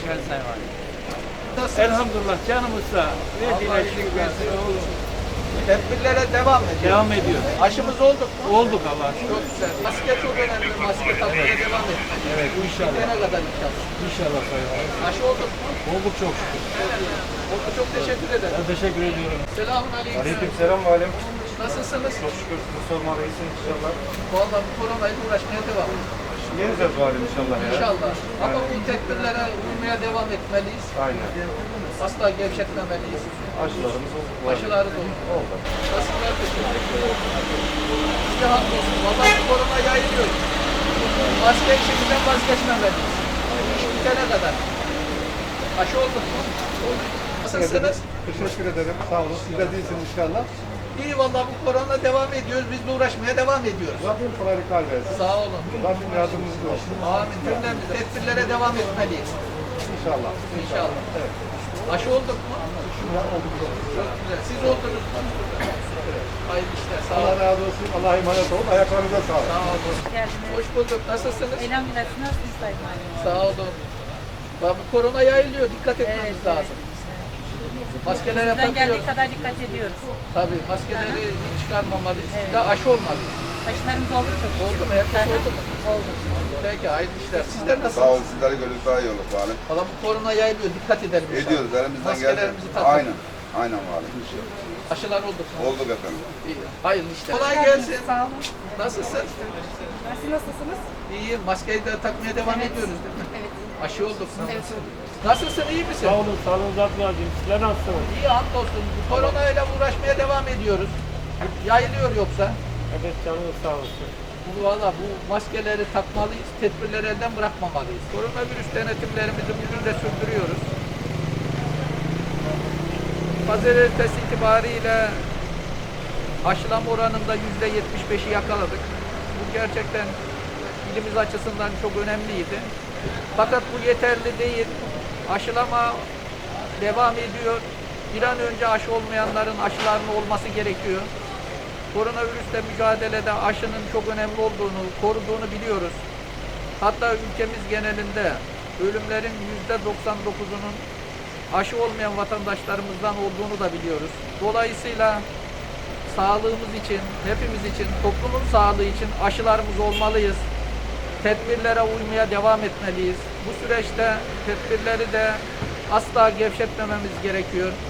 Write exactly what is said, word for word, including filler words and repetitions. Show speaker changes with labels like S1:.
S1: Ben Sayın Valim.
S2: Nasılsınız?
S1: Elhamdülillah canımızda.
S2: Allah
S1: Verdiğine
S2: iyilik
S1: şükür.
S2: versin. Tedbirlere devam ediyor.
S1: Devam ediyor.
S2: Aşımız olduk mu?
S1: Olduk Allah'a şükür.
S2: Çok güzel. Maske çok önemli. Maske takmaya devam etmek.
S1: Evet inşallah.
S2: Bitene kadar inşallah.
S1: İnşallah Sayın Valim.
S2: Aşı olduk mu?
S1: Olduk çok şükür.
S2: Oldu. Çok teşekkür ederim.
S1: Ben teşekkür ediyorum.
S2: Selamun aleyküm.
S3: Aleykümselam valim.
S2: Nasılsınız?
S3: Çok şükür sizi sormalıyız inşallah.
S2: Vallahi bu koronayla uğraşmaya devam.
S3: Yeneceğiz valim inşallah ya.
S2: İnşallah. Ama bu tedbirlere uymaya devam etmeliyiz.
S3: Aynen.
S2: Asla gevşetmemeliyiz.
S3: Aşılarımız oldu.
S2: Aşıları da oldu.
S3: Oldu.
S2: Nasıllar teşekkür ederim. Size hamdolsun. Vallahi bu korona yayılıyor. Maske işimizden vazgeçmemeliyiz. İş bitene kadar. Aşı olduk mu? Nasılsınız?
S4: Teşekkür ederim. Sağ olun. Siz de değilsiniz inşallah.
S2: İyi vallahi bu korona devam ediyoruz. Biz de uğraşmaya devam ediyoruz.
S4: Rabbim kolaylıklar versin.
S2: Sağ olun.
S4: Rabbim yardımcınız olsun.
S2: Amin. Cümlemiz tedbirlere devam etmeliyiz.
S4: İnşallah.
S2: İnşallah.
S4: Evet.
S2: Aşı olduk mu?
S4: Ya olduk.
S2: Çok güzel. Siz oldunuz mu? Hayırlı işler. Sağ
S4: Allah
S2: olun.
S4: razı olsun. Allah'a emanet olun. Ayaklarınıza sağlık.
S2: Sağ olun.
S5: Geldiniz.
S2: Hoş bulduk. Nasılsınız?
S5: Elhamdülillah siz nasılsınız Sayın Valim?
S2: Sağ olun. Bak bu korona yayılıyor. Dikkat etmemiz lazım. Maskelere
S5: Bizden geldiği
S2: takıyoruz.
S5: kadar dikkat ediyoruz.
S2: Tabii maskeleri hiç çıkarmamalıyız.
S5: Evet.
S2: Bir de aşı olmalıyız.
S5: Aşılarımız oldu çok.
S2: Oldu mu? Herkes oldu mu?
S5: Oldu.
S2: Peki hayırlı işler. Sizler
S6: Sağ
S2: nasılsınız?
S6: olun, sizleri gördük daha iyi olur valim.
S2: Valla bu korona yayılıyor. Dikkat edelim inşallah.
S6: Ediyoruz, elimizden geldi.
S2: Maskelerimizi takalım.
S6: Aynen, aynen valim.
S2: Aşılar olduk mu?
S6: Olduk efendim.
S2: İyi. Hayırlı işler. Kolay gelsin.
S5: Sağ olun.
S2: Nasılsın?
S5: Siz nasılsınız?
S2: İyi. Maskeyi de takmaya devam
S5: Evet.
S2: ediyoruz değil mi?
S5: Evet.
S2: Aşı olduk mu?
S5: Evet.
S2: Nasılsın? İyi misin?
S1: Sağ olun, sağlığınızı atmayacağım. Sizler nasılsınız?
S2: İyi hamdolsun. Bu koronayla uğraşmaya devam ediyoruz. Yayılıyor yoksa.
S1: Evet canınız sağ olsun.
S2: Bu valla bu maskeleri takmalıyız, tedbirleri elden bırakmamalıyız. Koronavirüs denetimlerimizi bugün de sürdürüyoruz. Pazartesi itibariyle aşılama oranında yüzde yetmiş beşi yakaladık. Bu gerçekten ilimiz açısından çok önemliydi. Fakat bu yeterli değil. Aşılama devam ediyor. Bir an önce aşı olmayanların aşılarının olması gerekiyor. Koronavirüsle mücadelede aşının çok önemli olduğunu, koruduğunu biliyoruz. Hatta ülkemiz genelinde ölümlerin yüzde doksan dokuzunun aşı olmayan vatandaşlarımızdan olduğunu da biliyoruz. Dolayısıyla sağlığımız için, hepimiz için, toplumun sağlığı için aşılarımız olmalıyız. Tedbirlere uymaya devam etmeliyiz. Bu süreçte tedbirleri de asla gevşetmememiz gerekiyor.